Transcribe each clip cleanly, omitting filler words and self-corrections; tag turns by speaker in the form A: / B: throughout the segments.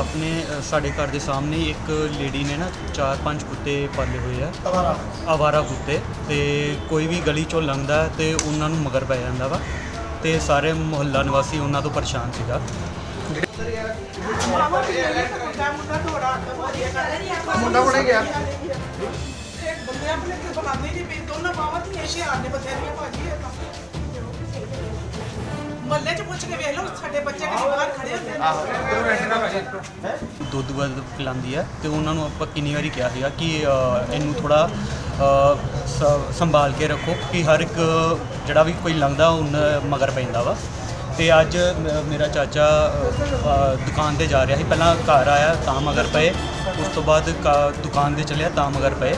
A: ਆਪਣੇ ਸਾਡੇ ਘਰ ਦੇ ਸਾਹਮਣੇ ਇੱਕ ਲੇਡੀ ਨੇ ਨਾ 4-5 ਕੁੱਤੇ ਪਾਲੇ ਹੋਏ ਆ, ਆਵਾਰਾ ਕੁੱਤੇ, ਤੇ ਕੋਈ ਵੀ ਗਲੀ ਚੋਂ ਲੰਘਦਾ ਹੈ ਤੇ ਉਹਨਾਂ ਨੂੰ ਮਗਰ ਪੈ ਜਾਂਦਾ ਵਾ ਤੇ ਸਾਰੇ ਮੁਹੱਲਾ ਨਿਵਾਸੀ ਉਹਨਾਂ ਤੋਂ ਪਰੇਸ਼ਾਨ ਸੀਗਾ।
B: ਮੁੰਡਾ ਬਣ ਗਿਆ
C: ਬੰਦੇ ਆਪਣੇ ਤੇ ਬੁਲਾਉਂਦੇ ਨਹੀਂ ਪਏ ਦੋਨਾਂ ਬਾਵਾਂ ਤੇ ਹੁਸ਼ਿਆਰ ਨੇ ਬਥੇਰੀਆਂ ਭਾਜੀ ਇਹ ਤਾਂ ਮੱਲੇ 'ਚ ਪੁੱਛ ਕੇ ਵੇਖ ਲਓ ਸਾਡੇ ਬੱਚੇ ਕਿਹੜੇ ਬਾਹਰ ਖੜੇ ਹੁੰਦੇ ਨੇ।
A: ਦੁੱਧ ਵੱਧ ਪਿਲਾਉਂਦੀ ਹੈ ਤੇ ਉਹਨਾਂ ਨੂੰ ਆਪਾਂ ਕਿੰਨੀ ਵਾਰੀ ਕਿਹਾ ਸੀਗਾ ਕਿ ਇਹਨੂੰ ਥੋੜਾ ਸੰਭਾਲ ਕੇ ਰੱਖੋ ਕਿ ਹਰ ਇੱਕ ਜਿਹੜਾ ਵੀ ਕੋਈ ਲੰਘਦਾ ਉਹਨਾਂ ਮਗਰ ਪੈਂਦਾ ਵਾ। ਤੇ ਅੱਜ ਮੇਰਾ ਚਾਚਾ ਦੁਕਾਨ ਤੇ ਜਾ ਰਿਹਾ ਸੀ, ਪਹਿਲਾਂ ਘਰ ਆਇਆ ਤਾਂ ਮਗਰ ਪਏ, ਉਸ ਤੋਂ ਬਾਅਦ ਦੁਕਾਨ ਤੇ ਚਲਿਆ ਤਾਂ ਮਗਰ ਪਏ।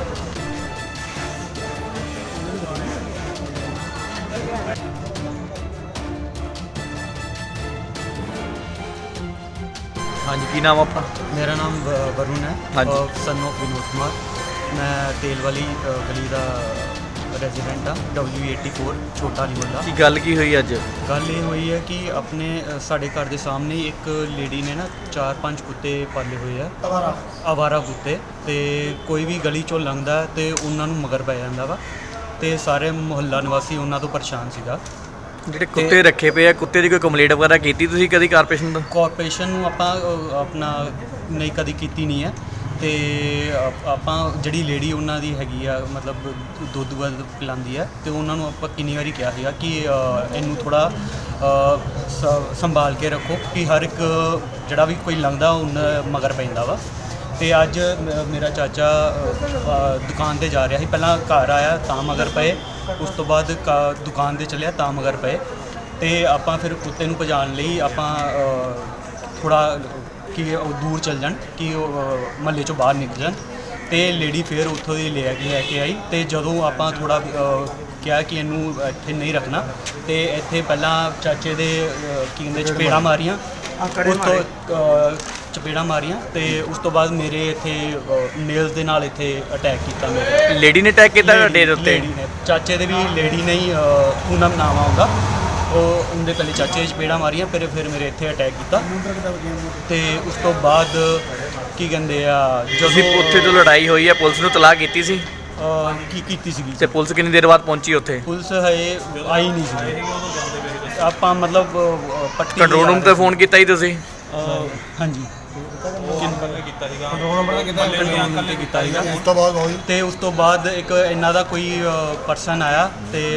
B: ਹਾਂਜੀ, ਕੀ ਨਾਮ ਆਪਣਾ?
A: ਮੇਰਾ ਨਾਮ ਵरुण ਹੈ, ਸਨ ਆਫ ਵਿਨੋਦ ਕੁਮਾਰ। ਮੈਂ ਤੇਲ ਵਾਲੀ ਗਲੀ ਦਾ ਰੈਜ਼ੀਡੈਂਟ ਹਾਂ, W84 ਛੋਟਾ ਅਲੀ ਮੁਹੱਲਾ।
B: ਕੀ ਗੱਲ ਕੀ ਹੋਈ ਅੱਜ?
A: ਗੱਲ ਇਹ ਹੋਈ ਹੈ ਕਿ ਆਪਣੇ ਸਾਡੇ ਘਰ ਦੇ ਸਾਹਮਣੇ ਇੱਕ ਲੇਡੀ ਨੇ ਨਾ 4-5 ਕੁੱਤੇ ਪਾਲੇ ਹੋਏ ਆ, ਆਵਾਰਾ ਕੁੱਤੇ, ਤੇ ਕੋਈ ਵੀ ਗਲੀ ਚੋਂ ਲੰਘਦਾ ਹੈ ਤੇ ਉਹਨਾਂ ਨੂੰ ਮਗਰ ਪੈ ਜਾਂਦਾ ਵਾ ਤੇ ਸਾਰੇ ਮੁਹੱਲਾ ਨਿਵਾਸੀ ਉਹਨਾਂ ਤੋਂ ਪਰੇਸ਼ਾਨ ਸੀਗਾ।
B: ਜਿਹੜੇ ਕੁੱਤੇ ਰੱਖੇ ਪਏ ਆ, ਕੁੱਤੇ ਦੀ ਕੋਈ ਕੰਪਲੇਂਟ ਵਗੈਰਾ ਕੀਤੀ ਤੁਸੀਂ ਕਦੀ ਕਾਰਪੋਰੇਸ਼ਨ ਦਾ?
A: ਕਾਰਪੋਰੇਸ਼ਨ ਨੂੰ ਆਪਾਂ ਆਪਣਾ ਨਹੀਂ ਕਦੀ ਕੀਤੀ ਨਹੀਂ ਹੈ ਤੇ ਆਪਾਂ ਜਿਹੜੀ ਲੇਡੀ ਉਹਨਾਂ ਦੀ ਹੈਗੀ ਆ, ਮਤਲਬ ਦੁੱਧ ਵੱਧ ਪਿਲਾਉਂਦੀ ਹੈ ਤੇ ਉਹਨਾਂ ਨੂੰ ਆਪਾਂ ਕਿੰਨੀ ਵਾਰੀ ਕਿਹਾ ਸੀਗਾ ਕਿ ਇਹਨੂੰ ਥੋੜਾ ਸੰਭਾਲ ਕੇ ਰੱਖੋ ਕਿ ਹਰ ਇੱਕ ਜਿਹੜਾ ਵੀ ਕੋਈ ਲੰਘਦਾ ਉਹਨਾਂ ਮਗਰ ਪੈਂਦਾ ਵਾ। ਤੇ ਅੱਜ ਮੇਰਾ ਚਾਚਾ ਦੁਕਾਨ ਤੇ ਜਾ ਰਿਹਾ ਸੀ, ਪਹਿਲਾਂ ਘਰ ਆਇਆ ਤਾਂ ਮਗਰ ਪਏ, ਉਸ ਤੋਂ ਬਾਅਦ ਦੁਕਾਨ ਤੇ ਚਲਿਆ ਤਾਂ ਮਗਰ ਪਏ। ਤੇ ਆਪਾਂ ਫਿਰ ਕੁੱਤੇ ਨੂੰ ਭਜਾਉਣ ਲਈ ਆਪਾਂ ਥੋੜਾ ਕਿ ਉਹ ਦੂਰ ਚੱਲ ਜਾਣ, ਕਿ ਉਹ ਮਹੱਲੇ ਚੋਂ ਬਾਹਰ ਨਿਕਲ ਜਾਣ। ਤੇ ਲੇਡੀ ਫਿਰ ਉੱਥੋਂ ਦੀ ਲੈ ਕੇ ਆਈ ਤੇ ਜਦੋਂ ਆਪਾਂ ਥੋੜਾ ਕਿਹਾ ਕਿ ਇਹਨੂੰ ਇੱਥੇ ਨਹੀਂ ਰੱਖਣਾ ਤੇ ਇੱਥੇ ਪਹਿਲਾਂ ਚਾਚੇ ਦੇ ਕੀ ਕਹਿੰਦੇ ਚਪੇੜਾਂ ਮਾਰੀਆਂ, ਉਸ ਤੋਂ ਚਪੇੜਾਂ ਮਾਰੀਆਂ ਤੇ ਉਸ ਤੋਂ ਬਾਅਦ ਮੇਰੇ ਇੱਥੇ ਨੇਲਸ ਦੇ ਨਾਲ ਇੱਥੇ ਅਟੈਕ ਕੀਤਾ। ਮੇਰੇ
B: ਲੇਡੀ ਨੇ ਅਟੈਕ ਕੀਤਾ ਤੁਹਾਡੇ ਦੇ ਉੱਤੇ?
A: ਲੇਡੀ ਨੇ, ਚਾਚੇ ਦੇ ਵੀ ਲੇਡੀ ਨਹੀਂ, ਪੂਨਮ ਨਾਮ ਆਉਂਦਾ, ਉਹ ਉਹਦੇ ਪਹਿਲੇ ਚਾਚੇ ਦੀ ਚਪੇੜਾਂ ਮਾਰੀਆਂ, ਫਿਰ ਮੇਰੇ ਇੱਥੇ ਅਟੈਕ ਕੀਤਾ। ਤੇ ਉਸ ਤੋਂ ਬਾਅਦ ਕੀ ਕਹਿੰਦੇ ਆ,
B: ਜਦੋਂ ਉੱਥੇ ਤੋਂ ਲੜਾਈ ਹੋਈ ਹੈ ਪੁਲਿਸ ਨੂੰ ਤਲਾਹ ਕੀਤੀ ਸੀ?
A: ਕੀ ਕੀਤੀ ਸੀਗੀ
B: ਤੇ ਪੁਲਿਸ ਕਿੰਨੀ ਦੇਰ ਬਾਅਦ ਪਹੁੰਚੀ ਉੱਥੇ?
A: ਪੁਲਿਸ ਹਜੇ ਆਈ ਨਹੀਂ ਸੀ। ਆਪਾਂ ਮਤਲਬ ਪੱਟੀ
B: ਕੰਟਰੋਲ ਰੂਮ ਤੇ ਫੋਨ ਕੀਤਾ ਹੀ ਤੁਸੀਂ?
A: ਹਾਂਜੀ ਕੀਤਾ ਸੀਗਾ, ਤੇ ਉਸ ਤੋਂ ਬਾਅਦ ਇੱਕ ਇਹਨਾਂ ਦਾ ਕੋਈ ਪਰਸਨ ਆਇਆ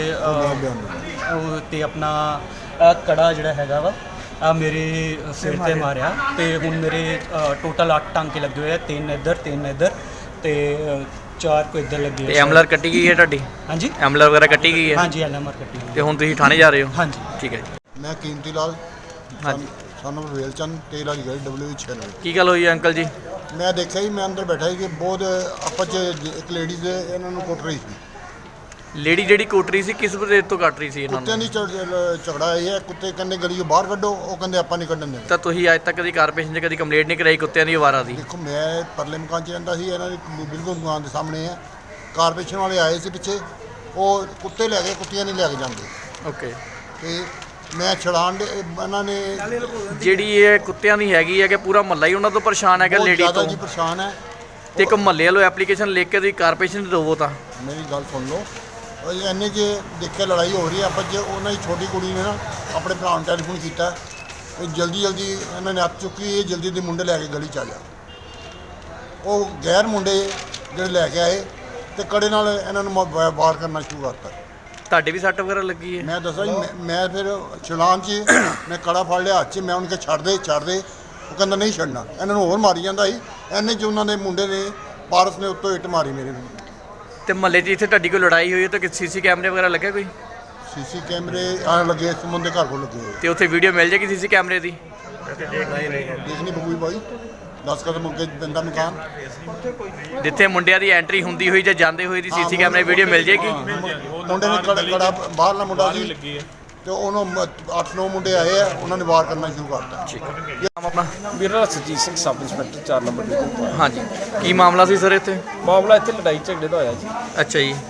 A: ਤੇ ਆਪਣਾ ਕੜਾ ਜਿਹੜਾ ਹੈਗਾ ਵਾ ਆ ਮੇਰੇ ਸਿਰ ਤੇ ਮਾਰਿਆ ਤੇ ਹੁਣ ਮੇਰੇ ਟੋਟਲ 8 ਟਾਂਕੇ ਲੱਗੇ ਹੋਏ ਆ, 3 ਇੱਧਰ ਤੇ 4 ਕੋ ਇੱਧਰ ਲੱਗੇ
B: ਤੇ ਐਮਐਲਆਰ ਕੱਟੀ ਗਈ ਹੈ ਤੁਹਾਡੀ?
A: ਹਾਂਜੀ,
B: ਐਮਐਲਆਰ ਵਗੈਰਾ ਕੱਟੀ ਗਈ ਹੈ?
A: ਹਾਂਜੀ, ਐਮਐਲਆਰ ਕੱਟੀ ਗਈ।
B: ਤੇ ਹੁਣ ਤੁਸੀਂ ਥਾਣੇ ਜਾ ਰਹੇ ਹੋ?
A: ਹਾਂਜੀ,
B: ਠੀਕ ਹੈ ਜੀ।
D: ਮੈਂ ਕੀਮਤੀ ਲਾਲ,
B: ਹਾਂਜੀ,
D: ਸਾਨੂੰ ਵੇਲਚੰਦ ਤੇਲ ਵਾਲੀ ਗਲੀ W96।
B: ਕੀ ਗੱਲ ਹੋਈ ਹੈ ਅੰਕਲ ਜੀ?
D: ਮੈਂ ਦੇਖਿਆ ਹੀ, ਮੈਂ ਅੰਦਰ ਬੈਠਾ ਸੀ ਕਿ ਬਹੁਤ ਆਪਸ 'ਚ ਇੱਕ ਲੇਡੀਜ਼ ਇਹਨਾਂ ਨੂੰ ਕੁੱਟ ਰਹੀ ਸੀ।
B: ਲੇਡੀ ਜਿਹੜੀ ਕੁੱਟ ਰਹੀ ਸੀ ਕਿਸ ਵਜ੍ਹਾ ਤੋਂ ਕੱਟ ਰਹੀ ਸੀ ਇਹਨਾਂ
D: ਕੁੱਤਿਆਂ
B: ਨੂੰ?
D: ਦੀ ਝਗੜਾ ਇਹ ਹੈ, ਕੁੱਤੇ ਕਹਿੰਦੇ ਗਲੀੋਂ ਬਾਹਰ ਕੱਢੋ, ਉਹ ਕਹਿੰਦੇ ਆਪਾਂ ਨਹੀਂ ਕੱਢਣ ਦੇਣਾ।
B: ਤਾਂ ਤੁਸੀਂ ਅੱਜ ਤੱਕ ਕਦੀ ਕਾਰਪੋਰੇਸ਼ਨ 'ਚ ਕਦੀ ਕੰਪਲੇਂਟ ਨਹੀਂ ਕਰਾਈ ਕੁੱਤਿਆਂ ਦੀ ਆਵਾਰਾ ਦੀ?
D: ਦੇਖੋ, ਮੈਂ ਪਰਲੇ ਮਕਾਨ 'ਚ ਰਹਿੰਦਾ ਸੀ, ਇਹਨਾਂ ਦੀ ਬਿਲਕੁਲ ਦੁਕਾਨ ਦੇ ਸਾਹਮਣੇ ਹੈ। ਕਾਰਪੋਰੇਸ਼ਨ ਵਾਲੇ ਆਏ ਸੀ ਪਿੱਛੇ, ਉਹ ਕੁੱਤੇ ਲੈ ਗਏ, ਕੁੱਤੀਆਂ ਨਹੀਂ ਲੈ ਕੇ ਜਾਂਦੇ।
B: ਓਕੇ,
D: ਤੇ ਮੈਂ ਛੜਾਣ ਦੇ ਇਹਨਾਂ ਨੇ
B: ਜਿਹੜੀ ਇਹ ਕੁੱਤਿਆਂ ਦੀ ਹੈਗੀ ਹੈ ਕਿ ਪੂਰਾ ਮਹੱਲਾ ਹੀ ਉਹਨਾਂ ਤੋਂ ਪਰੇਸ਼ਾਨ ਹੈਗਾ ਲੇਡੀ
D: ਜ਼ਿਆਦਾ
B: ਤੋਂ?
D: ਜੀ ਪਰੇਸ਼ਾਨ ਹੈ।
B: ਤੇ ਇੱਕ ਮਹੱਲੇ ਵਾਲੋ ਐਪਲੀਕੇਸ਼ਨ ਲਿਖ ਕੇ ਤੁਸੀਂ ਕਾਰਪੋਰੇਸ਼ਨ 'ਚ ਦੇਵੋ ਤਾਂ?
D: ਮੇਰੀ ਗੱਲ ਸੁਣ ਲਓ, ਇੰਨੇ 'ਚ ਦੇਖਿਆ ਲੜਾਈ ਹੋ ਰਹੀ ਹੈ ਆਪਸ 'ਚ। ਉਹਨਾਂ ਦੀ ਛੋਟੀ ਕੁੜੀ ਨੇ ਨਾ ਆਪਣੇ ਭਰਾ ਨੂੰ ਟੈਲੀਫੋਨ ਕੀਤਾ, ਇਹ ਜਲਦੀ ਇਹਨਾਂ ਨੇ ਹੱਥ ਚੁੱਕੀ, ਇਹ ਜਲਦੀ ਮੁੰਡੇ ਲੈ ਕੇ ਗਲੀ 'ਚ ਆ ਜਾ। ਉਹ ਗੈਰ ਮੁੰਡੇ ਜਿਹੜੇ ਲੈ ਕੇ ਆਏ ਤੇ ਕੜੇ ਨਾਲ ਇਹਨਾਂ ਨੂੰ ਵਾਰ ਕਰਨਾ ਸ਼ੁਰੂ ਕਰਤਾ।
B: ਤੁਹਾਡੇ ਵੀ ਸੱਟ ਵਗੈਰਾ ਲੱਗੀ ਹੈ?
D: ਮੈਂ ਦੱਸਾਂ ਜੀ, ਮੈਂ ਫਿਰ ਚਲਾਨ 'ਚ ਮੈਂ ਕੜਾ ਫੜ ਲਿਆ ਹੱਥ 'ਚ, ਮੈਂ ਉਹਨਾਂ ਕੇ ਛੱਡ ਦੇ ਉਹ ਕਹਿੰਦਾ ਨਹੀਂ ਛੱਡਣਾ। ਇਹਨਾਂ ਨੂੰ ਹੋਰ ਮਾਰੀ ਜਾਂਦਾ ਸੀ। ਇੰਨੇ 'ਚ ਉਹਨਾਂ ਦੇ ਮੁੰਡੇ ਨੇ, ਪਾਰਸ ਨੇ ਉੱਤੋਂ ਇੱਟ ਮਾਰੀ ਮੇਰੇ ਨੂੰ।
B: ਤੇ ਮਹੱਲੇ 'ਚ ਇੱਥੇ ਤੁਹਾਡੀ ਕੋਈ ਲੜਾਈ ਹੋਈ ਹੈ ਤਾਂ ਸੀਸੀ ਕੈਮਰੇ ਵਗੈਰਾ ਲੱਗਿਆ ਕੋਈ?
D: ਸੀਸੀ ਕੈਮਰੇ ਆ ਲੱਗੇ, ਸੁਮਨ ਦੇ ਘਰ ਕੋਲ ਲੱਗੇ ਹੋਏ।
B: ਤੇ ਉੱਥੇ ਵੀਡੀਓ ਮਿਲ ਜਾਏਗੀ ਸੀਸੀ ਕੈਮਰੇ ਦੀ?
D: ਦੇਖਣੀ ਬਗੂਈ ਬਾਈ 10 ਕਦਮ ਅੱਗੇ ਬੰਦਾ ਮਕਾਨ,
B: ਜਿੱਥੇ ਮੁੰਡਿਆਂ ਦੀ ਐਂਟਰੀ ਹੁੰਦੀ ਹੋਈ ਜਾਂ ਜਾਂਦੇ ਹੋਏ ਦੀ ਸੀਸੀ ਕੈਮਰੇ ਵੀਡੀਓ ਮਿਲ ਜਾਏਗੀ?
D: ਮੁੰਡੇ ਨੇ ਕੜਾ ਬਾਹਰਲਾ ਮੁੰਡਾ ਸੀ ਤੇ ਉਹਨੂੰ 8-9 ਮੁੰਡੇ ਆਏ ਆ, ਉਹਨਾਂ ਨੇ ਵਾਰ ਕਰਨਾ ਸ਼ੁਰੂ ਕਰਤਾ।
B: ਨਾਮ ਆਪਣਾ?
E: ਮੇਰਾ Surjit Singh, sub inspector 4 number duty.
B: ਹਾਂਜੀ, ਕੀ ਮਾਮਲਾ ਸੀ ਸਰ ਇੱਥੇ?
E: ਮਾਮਲਾ ਇੱਥੇ ਲੜਾਈ ਝਗੜੇ ਦਾ ਹੋਇਆ ਜੀ।
B: ਅੱਛਾ ਜੀ।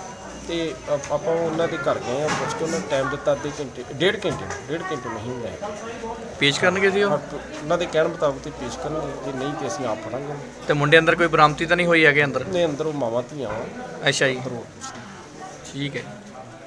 E: ਤੇ ਆਪਾਂ ਉਹਨਾਂ ਦੇ ਘਰ ਗਏ ਆ, ਪੁੱਛ ਕੇ ਉਹਨਾਂ ਟਾਈਮ ਦਿੱਤਾ ਅੱਧੇ ਘੰਟੇ ਡੇਢ ਘੰਟੇ ਨਹੀਂ ਹੁੰਦਾ ਹੈ।
B: ਪੇਸ਼ ਕਰਨਗੇ ਜੀ ਉਹ?
E: ਉਹਨਾਂ ਦੇ ਕਹਿਣ ਮੁਤਾਬਕ ਤੇ ਪੇਸ਼ ਕਰਨਗੇ, ਜੇ ਨਹੀਂ ਤੇ ਅਸੀਂ ਆਪ ਫੜਾਂਗੇ।
B: ਤੇ ਮੁੰਡੇ ਅੰਦਰ ਕੋਈ ਬਰਾਮਦੀ ਤਾਂ ਨਹੀਂ ਹੋਈ ਹੈਗੇ ਅੰਦਰ?
E: ਨੇ ਅੰਦਰ ਉਹ ਮਾਵਾਂ ਧੀਆਂ ਵਾ
B: ਅੱਛਾ ਜੀ,
E: ਅੰਦਰੋਂ
B: ਠੀਕ ਹੈ।